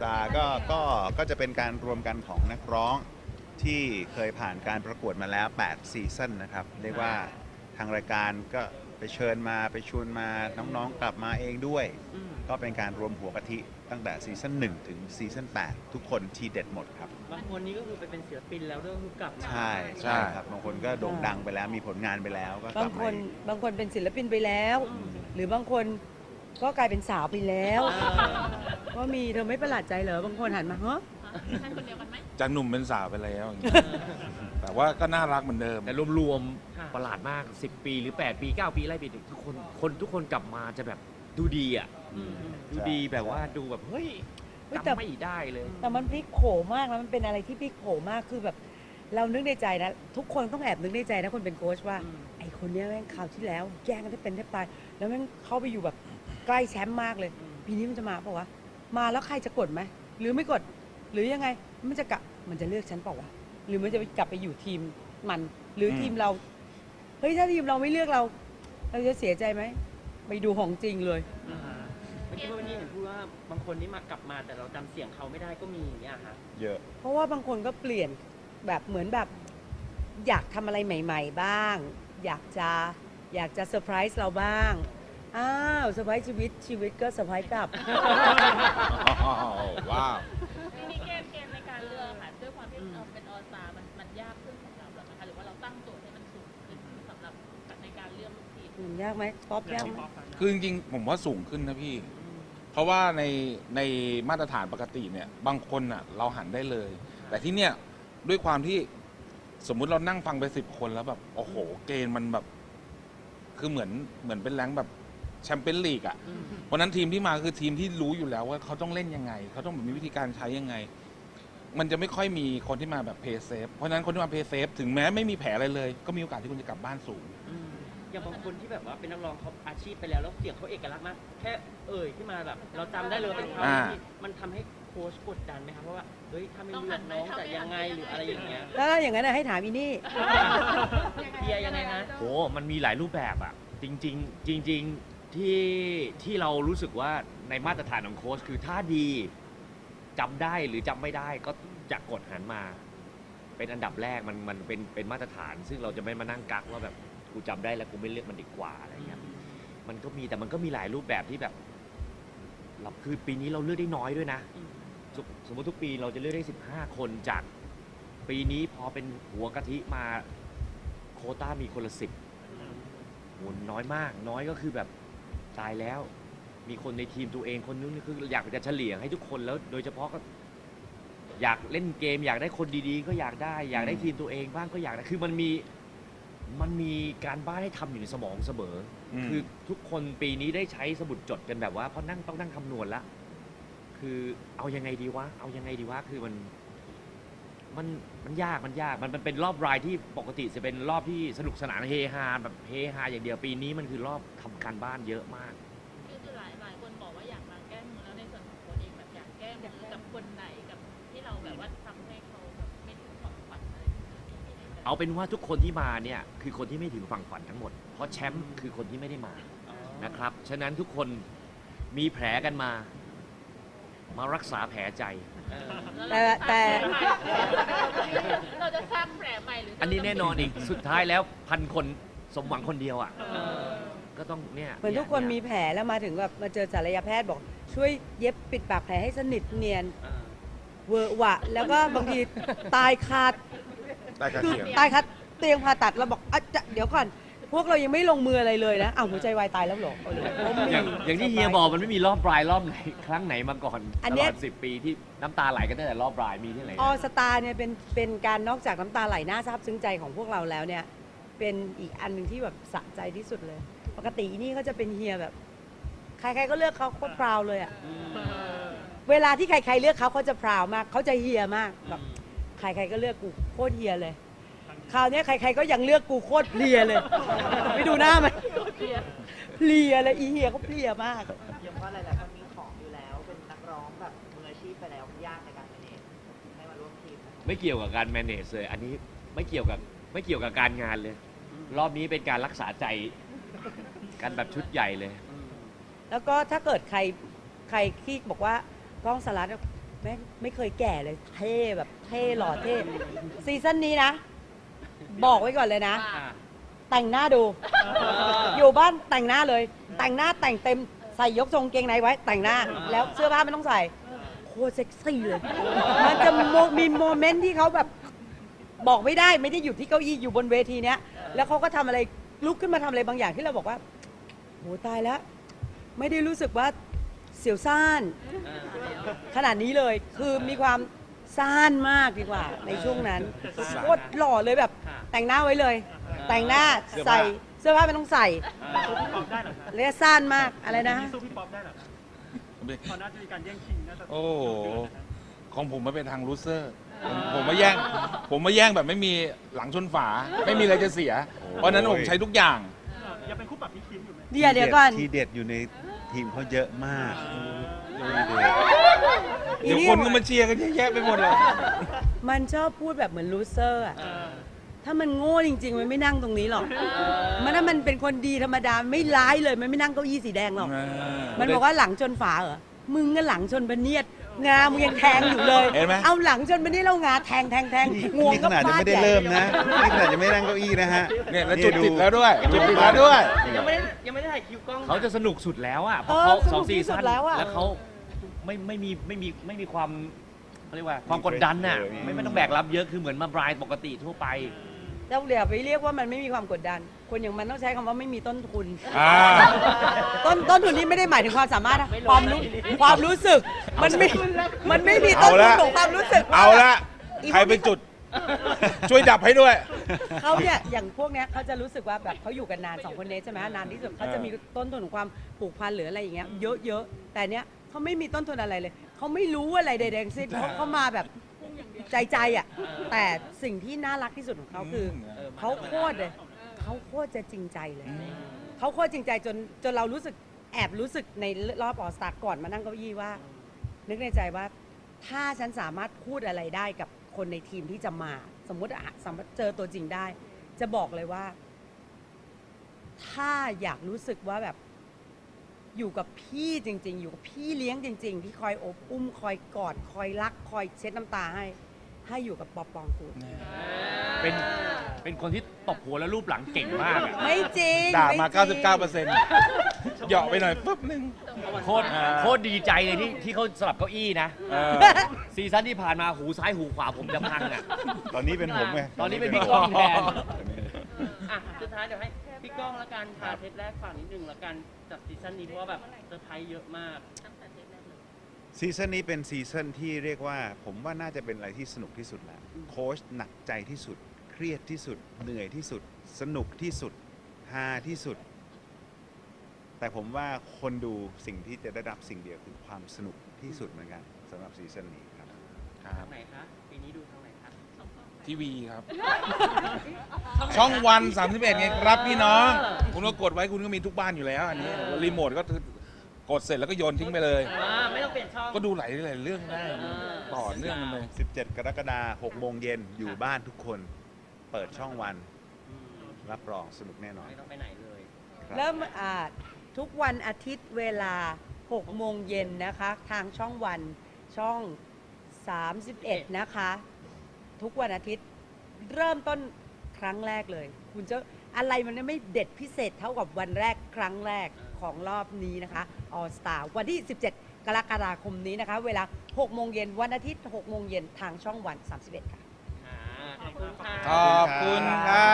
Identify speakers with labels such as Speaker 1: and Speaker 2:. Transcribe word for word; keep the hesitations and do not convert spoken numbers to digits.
Speaker 1: ตาร์ก็ก็ก็จะเป็นการรวมกันของนักร้องที่เคยผ่านการประกวดมาแล้วแปดซีซั่นนะครับเรียกว่าทางรายการก็ไปเชิญมาไปชวนมาน้องๆกลับมาเองด้วย
Speaker 2: อืม
Speaker 1: ก็เป็นการรวมหัวกะทิตั้งแต่ซีซั่นหนึ่งถึงซีซั่นแปดทุกคนทีเด็ดหมดครับ
Speaker 2: บางคนนี้ก็คือไปเป็นศิลปินแล้วด้วยคือกลับมา
Speaker 1: ใช่ใช่ครับบางคนก็โด่งดังไปแล้วมีผลงานไปแล้วก็ก
Speaker 3: บา
Speaker 1: ลั
Speaker 3: ง
Speaker 1: บ
Speaker 3: ค
Speaker 1: มาน อีก
Speaker 3: บางคนเป็นศิลปินไปแล้ว
Speaker 2: อืม
Speaker 3: หรือบางคนก็กลายเป็นสาวไปแล้ว
Speaker 2: อ่า
Speaker 3: ก็มีเธอไม่ประหลาดใจเหรอบางคนหันมาเฮ้อ
Speaker 4: ท่านคนเดียวกันไหม
Speaker 5: จากหนุ่มเป็นสาวไปแล้วอย่างเงี้ยแต่ว่าก็น่ารักเหมือนเดิม
Speaker 6: แต่รวม
Speaker 2: ค่ะ
Speaker 6: ๆประหลาดมาก สิบ ปีหรือ แปด ปี เก้า ปีไล่ไปทุกคนคนทุกคนกลับมาจะแบบดูดีอ่ะ
Speaker 2: อืมอืม
Speaker 6: ดูดีแบบว่าดูแบบ เฮ้ย
Speaker 3: เฮ้ยแต่
Speaker 6: จำไม่ได้เลย
Speaker 3: แต่มันพลิกโผมากนะมันเป็นอะไรที่พลิกโผมากคือแบบ เรานึกในใจนะ ทุกคนต้องแอบนึกในใจนะคนเป็นโค้ชว่า
Speaker 2: อืม
Speaker 3: ไอ้คนเนี้ยแม่งคราวที่แล้วแย่งกันได้เป็นแทบตายแล้วแม่งเข้าไปอยู่แบบใกล้แชมป์มากเลย
Speaker 2: อืม
Speaker 3: ปีนี้มันจะมาเปล่าวะมาแล้วใครจะกดไหมหรือไม่กด หรือยังไงมันจะกลับมันจะเลือกฉันเปล่าวะหรือมันจะกลับไปอยู่ทีมมัน หรืออ
Speaker 5: ม
Speaker 3: ทีมเราเฮ้ยถ้าทีมเราไม่เลือกเรา เราจะเสียใจไหมไปดูของจริงเลย
Speaker 2: อ่าฮะเมื่อกี้ว่าวันนี้เห็นพูดว่าบางคนนี่มากลับมาแต่เราจำเสียงเขาไม่ได้ก็มีอย่างเงี้ยค่ะ
Speaker 1: เยอะ
Speaker 3: เพราะว่าบางคนก็เปลี่ยนแบบเหมือนแบบ อยากทำอะไรใหม่ ๆ บ้าง อยากจะอยากจะเซอร์ไพรส์เราบ้างอ้าวเซอร์ไพรส์ชีวิตชีวิตก็เซอร์ไพรส์กลับ
Speaker 5: ว้าว
Speaker 4: ทีนี้เกมเกมในการเลือกค่ะด้วยความที่เราเป็นออสตามันมันยากขึ้นสำหรับเรานะคะหรือว่าเราตั้งโจทย์ให้มันสูงขึ้นสำหรับในการเลือกลูกทีม
Speaker 3: อืมยากไหมป๊อปยากไหม
Speaker 5: คือจริงๆผมว่าสูงขึ้นนะพี่ เพราะว่าในในมาตรฐานปกติเนี่ย บางคนอ่ะเราหันได้เลย แต่ที่เนี่ยด้วยความที่สมมุติเรานั่งฟังไปสิบคนแล้วแบบ โอ้โห เกณฑ์มันแบบ คือเหมือนเหมือนเป็นแรงค์แบบแชมเปี้ยนลีกอ่ะ
Speaker 2: อืม
Speaker 5: เพราะฉะนั้นทีมที่มาคือทีมที่รู้อยู่แล้วว่าเขาต้องเล่นยังไง เขาต้องมีวิธีการใช้ยังไง มันจะไม่ค่อยมีคนที่มาแบบเพย์เซฟ เพราะฉะนั้นคนที่มาเพย์เซฟถึงแม้ไม่มีแผลอะไรเลย ก็มีโอกาสที่คุณจะกลับบ้านสูง
Speaker 2: อืมอย่างบางคนที่แบบว่าเป็นนักร้องเขาอาชีพไปแล้วแล้วเสียงเขาเอกลักษณ์มากแค่เอ่ยขึ้นมาแบบ เราจำได้เลยว่าเป็นเขา
Speaker 5: อ่า
Speaker 2: ที่มันทำให้โค้ชกดดันไหมครับเพราะว่าเฮ้ยถ้าไม่เลือกน้องจะยังไงหรืออะไรอย่างเงี้ย
Speaker 3: แล้วอย่างนั้นนะให้ถามอีนี่
Speaker 2: เฮียยังไงนะ
Speaker 6: โห มันมีหลายรูปแบบอะจริง ๆ จริง ๆ ที่ที่เรารู้สึกว่าในมาตรฐานของโค้ชคือถ้าดีจำได้หรือจำไม่ได้ก็จะกดหันมา เป็นอันดับแรกมันมันเป็นเป็นมาตรฐาน ซึ่งเราจะไม่มานั่งกักว่าแบบกูจำได้แล้วกูไม่เลือกมันดีกว่าอะไรเงี้ยมันก็มีแต่มันก็มีหลายรูปแบบที่แบบเราคือปีนี้เราเลือกได้น้อยด้วยนะ
Speaker 2: อืม
Speaker 6: สมสมมติทุกปีเราจะเลือกได้สิบห้าคนจากปีนี้พอเป็นหัวกะทิมาโควต้ามีคนละสิบโหน้อยมาก น้อยก็คือแบบตายแล้ว มีคนในทีมตัวเองคนนู้นคืออยากจะเฉลี่ยให้ทุกคนแล้ว โดยเฉพาะก็ อยากเล่นเกม อยากได้คนดีๆ ก็อยากได้ อยากได้ทีมตัวเองบ้างก็อยากได้คือมันมีมันมีการบ้านให้ทำอยู่ในสมองเสมออ
Speaker 5: ม
Speaker 6: คือทุกคนปีนี้ได้ใช้สมุดจดกันแบบว่าเพราะนั่งต้องนั่งคำนวณละ คือเอายังไงดีวะ เอายังไงดีวะ คือมันมันมันยากมันยาก มันมันเป็นรอบรายที่ปกติจะเป็นรอบที่สนุกสนานเฮฮาแบบเฮฮาอย่างเดียวปีนี้มันคือรอบทำการบ้านเยอะมาก
Speaker 4: คือคือหลายหลายคนบอกว่าอยากมาแก้มือแล้วในส่วนของตัวเองแบบอยากแก้มือกับคนไหนกับที่เราแบบว่าทำให้เขาแบบไม่ถึงความฝันอะไรอย่างเงี้ยมีในใจ
Speaker 6: เอาเป็นว่าทุกคนที่มาเนี่ยคือคนที่ไม่ถึงฝั่งฝันทั้งหมด เพราะแชมป์คือคนที่ไม่ได้มานะครับ ฉะนั้นทุกคนมีแผลกันมา มารักษาแผลใจ
Speaker 2: เออ
Speaker 3: แต่แต่
Speaker 4: เราจะสร้างแผลใหม่หรือ
Speaker 6: อั
Speaker 4: อั
Speaker 6: นนี้แน่นอนอีก สุดท้ายแล้วพันคนสมหวังคนเดียวอ่ะ
Speaker 2: เออ
Speaker 6: ก็ต้องเนี่ย
Speaker 3: เหมือนทุกคนมีแผลแล้วมาถึงแบบมาเจอศัลยแพทย์บอก ช่วยเย็บปิดปากแผลให้สนิทเนียน
Speaker 2: เออ
Speaker 3: เวอร์หวะ แล้วก็บางทีตายคา
Speaker 5: ได้กระ
Speaker 3: คือ
Speaker 5: เทียม
Speaker 3: ตายคาเตียงผ่าตัดเราบอกอ่ะจะเดี๋ยวก่อน พวกเรายังไม่ลงมืออะไรเลยนะอ้าวหัวใจวายตายแล้วเหรอเออผมมี
Speaker 6: อย่างอย่างที่เฮียบอกมันไม่มีรอบปลายรอบไหนครั้งไหนมาก่อน
Speaker 3: อัน
Speaker 6: ต
Speaker 3: เนี้
Speaker 6: ล
Speaker 3: ย
Speaker 6: อดสิบปีที่น้ำตาไหลกันตั้งแต่รอบปลายมีที่ไหน
Speaker 3: ออสตาเนี่ยเป็นเป็นการนอกจากน้ำตาไหลน่าซาบซึ้งใจของพวกเราแล้วเนี่ย เป็นอีกอันหนึ่งที่แบบสะใจที่สุดเลย ปกตินี่ก็จะเป็นเฮียแบบ ใครๆก็เลือกเขาโคตรพราวเลยอะเวลาที่ใครๆเลือกเขาเขาจะพราวมากเขาจะเฮียมากแบบใครๆก็เลือกกูโคตรเฮียเลย คราวเนี้ยใครๆก็ยังเลือกกูโคตรเพลียเลย ไปดูหน้ามันเพลียเลยอีเฮียเขาเพลียมาก
Speaker 7: ยังว่าหลายๆคนมีของอยู่แล้ว เป็นนักร้องแบบมืออาชีพไปแล้วมันยากในการเป็นเองให้มาร่วมทีมนะ
Speaker 6: ไม่เกี่ยวกับการ manage เลย อันนี้ไม่เกี่ยวกับไม่เกี่ยวกับการงานเลย รอบนี้เป็นการรักษาใจกันแบบชุดใหญ่เลย
Speaker 3: แล้วก็ถ้าเกิดใครใครที่บอกว่ากล้องสลัดแม่งไม่เคยแก่เลยเท่แบบเท่หล่อเท่ซีซั่นนี้นะ บอกไว้ก่อนเลยนะ
Speaker 2: อ่า
Speaker 3: แต่งหน้าดู อยู่บ้านแต่งหน้าเลย แต่งหน้าแต่งเต็มใส่ยกทรงเกงในไว้ แต่งหน้าแล้วเสื้อผ้าไม่ต้องใส่โคตรเซ็กซี่เลย มันจะโมมีโมเมนต์ที่เขาแบบบอกไม่ได้ไม่ได้อยู่ที่เก้าอี้อยู่บนเวทีเนี้ยแล้วเขาก็ทำอะไรลุกขึ้นมาทำอะไรบางอย่างที่เราบอกว่าโหตายแล้ว ไม่ได้รู้สึกว่าเสียวซ่าน
Speaker 2: อ่า
Speaker 3: ขนาดนี้เลยคือมีความซ่านมากดีกว่าในช่วงนั้นโคตรหล่อเลยแบบ
Speaker 2: ค่ะ
Speaker 3: แต่งหน้าไว้เลย
Speaker 2: อ่า
Speaker 3: แต่งหน้า
Speaker 5: เสื้อผ้า
Speaker 3: ใส่เสื้อผ้าไม่ต้องใส่
Speaker 2: อ่า
Speaker 8: พี่ป๊อปได้เหรอคะ
Speaker 3: เรียกซ่านมากอะไรนะ
Speaker 8: สู้พี่ป๊อปได้เหรอคะเขาน่าจะมีการแย่งชิงน่าจะ
Speaker 5: โอ้โหของผมมาเป็นทางลูเซอร์ผมผมมาแย่ง ผมมาแย่งแบบไม่มีหลังชนฝา ไม่มีอะไรจะเสีย เพราะฉะนั้นผมใช้ทุกอย่าง
Speaker 8: ยังเป็นคู่ปรับพี่คิมอยู่ไหม
Speaker 3: เดี๋ยวเดี๋ยวก่อน
Speaker 1: ทีเด็ดอยู่ในทีมเขาเยอะมาก
Speaker 5: เดี๋ยวคนก็มาเชียร์กันเยอะแยะไปหมดเลย
Speaker 3: มันชอบพูดแบบเหมือนลูเซอร์อะถ้ามันโง่จริงๆ มันไม่นั่งตรงนี้หรอก มันถ้ามันเป็นคนดีธรรมดาไม่ร้ายเลยมันไม่นั่งเก้าอี้สีแดงหรอก มันบอกว่าหลังชนฝาเหรอ มึงก็หลังชนพเนียดงามึงยังแทงอยู่เลย
Speaker 5: เห็นไหม
Speaker 3: เอาหลังชนพเนียดแล้วงาแทงแทงแทง
Speaker 1: นี่
Speaker 3: งวง
Speaker 1: นี่ข
Speaker 3: ก็
Speaker 1: นาดยัง
Speaker 3: ฟาด
Speaker 1: ไม่ได้
Speaker 3: ใหญ่
Speaker 1: เริ่มนะ นี่ขนาดยังไม่นั่งเก้าอี้นะฮะ
Speaker 5: เนี่ยแล้วจุดติดแล้วด้วย จุดติดแล้วด้วย
Speaker 2: ยังไม่ได้ยังไม่ได้ถ่ายคิวกล้อง
Speaker 6: เขาจะสนุกสุดแล้วอ่ะเพ
Speaker 3: เอ
Speaker 6: ราะ
Speaker 3: อ
Speaker 6: เขา
Speaker 3: ส
Speaker 6: สอ
Speaker 3: นุ
Speaker 6: ง
Speaker 3: ก
Speaker 6: ซี
Speaker 3: ที่สุ
Speaker 6: ซั่
Speaker 3: ด
Speaker 6: น
Speaker 3: แล้วอะ
Speaker 6: แล้วเขาไม่ไม่มีไม่มีไม่มีความเขาเรียกว่าความกดดันน่ะ
Speaker 1: เออ
Speaker 6: ไม่ไม่ต้องแบกรับเยอะคือเหมือนมาบรายปกติทั่วไป
Speaker 3: เราเดี๋ยวไปเรียกว่ามันไม่มีความกดดัน คนอย่างมันต้องใช้คำว่าไม่มีต้นทุน
Speaker 5: อ่า
Speaker 3: ต้นต้นทุนนี้ไม่ได้หมายถึงความสามารถนะความรู้ความรู้สึก มันไม่ มันไม่มีต้นทุนของความรู้สึกว่
Speaker 5: เอาละใครไปจุด ช่วยดับให้ด้วย
Speaker 3: เขาเนี่ยอย่างพวกเนี้ยเขาจะรู้สึกว่าแบบเขาอยู่กันนานสองคนนี้ใช่ไหมนานที่สุดเขาจะมีต้นทุนของความผูกพันหรืออะไรอย่างเงี้ยเยอะๆแต่เนี้ยเขาไม่มีต้นทุนอะไรเลยเขาไม่รู้อะไรใดๆทั้งสิ้นเขาเขามาแบบใจใจๆอ่ะแต่สิ่งที่น่ารักที่สุดของเขาคือ
Speaker 2: เออ
Speaker 3: เขาโคตรเลยเขาโคตรจะจริงใจเลยเขาโคตรจริงใจจนจนเรารู้สึกแอบรู้สึกในรอบออสตาก่อนมานั่งเก้าอี้ว่า นึกในใจว่าถ้าฉันสามารถพูดอะไรได้กับคนในทีมที่จะมา สมมติอะสามารถเจอตัวจริงได้ จะบอกเลยว่า ถ้าอยากรู้สึกว่าแบบอยู่กับพี่จริง ๆ อยู่กับพี่เลี้ยงจริง ๆ ที่คอยอบอุ้มคอยกอดคอยรัก คอยเช็ดน้ำตาให้ ให้อยู่กับป๊อปปองกูล
Speaker 6: เป็นเป็นคนที่ตบหัวแล้วรูปหลังเก่งมากอะ
Speaker 3: ไม่จริง
Speaker 5: ด่ามา
Speaker 3: ไจริง
Speaker 5: เก้าสิบเก้าเปอร์เซ็นต์ เหยาะไปหน่อยปุ๊บนึง
Speaker 6: โคตรโคตรดีใจเลยที่ที่เขาสลับเก้าอี้นะ
Speaker 5: เออ
Speaker 6: ซีซั่นที่ผ่านมาหูซ้ายหูขวาผมจะพังอ่ะ
Speaker 1: ตอนนี้เป็นผมไง
Speaker 6: ตอนนี้เป็นพี่ก้องแทน
Speaker 2: อ่ะสุดท้ายเดี๋ยวให้พี่ก้องละกันค่ะเทปแรกฝากนิดนึงละกันจากซีซั่นนี้เพราะว่าแบบเซอร์ไพรส์เยอะมาก
Speaker 4: ตั้งแต่เทปแรกเลย
Speaker 1: ซีซั่นนี้เป็นซีซั่นที่เรียกว่า ผมว่าน่าจะเป็นอะไรที่สนุกที่สุดแล้วโค้ชหนักใจที่สุด เครียดที่สุด เหนื่อยที่สุด สนุกที่สุดฮาที่สุด แต่ผมว่าคนดูสิ่งที่จะได้รับสิ่งเดียวคือความสนุกที่สุดเหมือนกันสำหรับซีซั่นนี้ครับ
Speaker 5: ครับ
Speaker 2: ทางไหนคะปีนี้ดูทางไหนคะ
Speaker 5: ทีวีครับ ช่องวันสามสิบเอ็ดไงครับพี่น้อง คุณก็กดไว้คุณก็มีทุกบ้านอยู่แล้ว อันนี้รีโมทก็คือกดเสร็จแล้วก็โยนทิ้งไปเลย
Speaker 2: อ่าไม่ต้องเปลี่ยนช่อง
Speaker 5: ก็ดูหลายหลายเรื่องได้ ต่อเนื่องกันเลย
Speaker 1: สิบเจ็ด กรกฎาคมหกโมงเย็นอยู่บ้านทุกคน เปิดช่องวัน
Speaker 2: อืม
Speaker 1: รับรองสนุกแน่นอน
Speaker 2: ไม่ต้องไปไหนเลย
Speaker 1: ครับ
Speaker 3: เริ่มอ่าทุกวันอาทิตย์เวลาหกโมงเย็นนะคะ ทางช่องวันช่อง สามสิบเอ็ด นะคะ ทุกวันอาทิตย์เริ่มต้นครั้งแรกเลย คุณจะอะไรมันไม่เด็ดพิเศษเท่ากับวันแรกครั้งแรกของรอบนี้นะคะ All Star วันที่ สิบเจ็ด กรกฎาคมนี้นะคะ เวลาหกโมงเย็นวันอาทิตย์หกโมงเย็นทางช่องวัน สามสิบเอ็ด ค่ะ
Speaker 2: อ่าขอบคุณค่ะ
Speaker 5: ขอบคุณครับ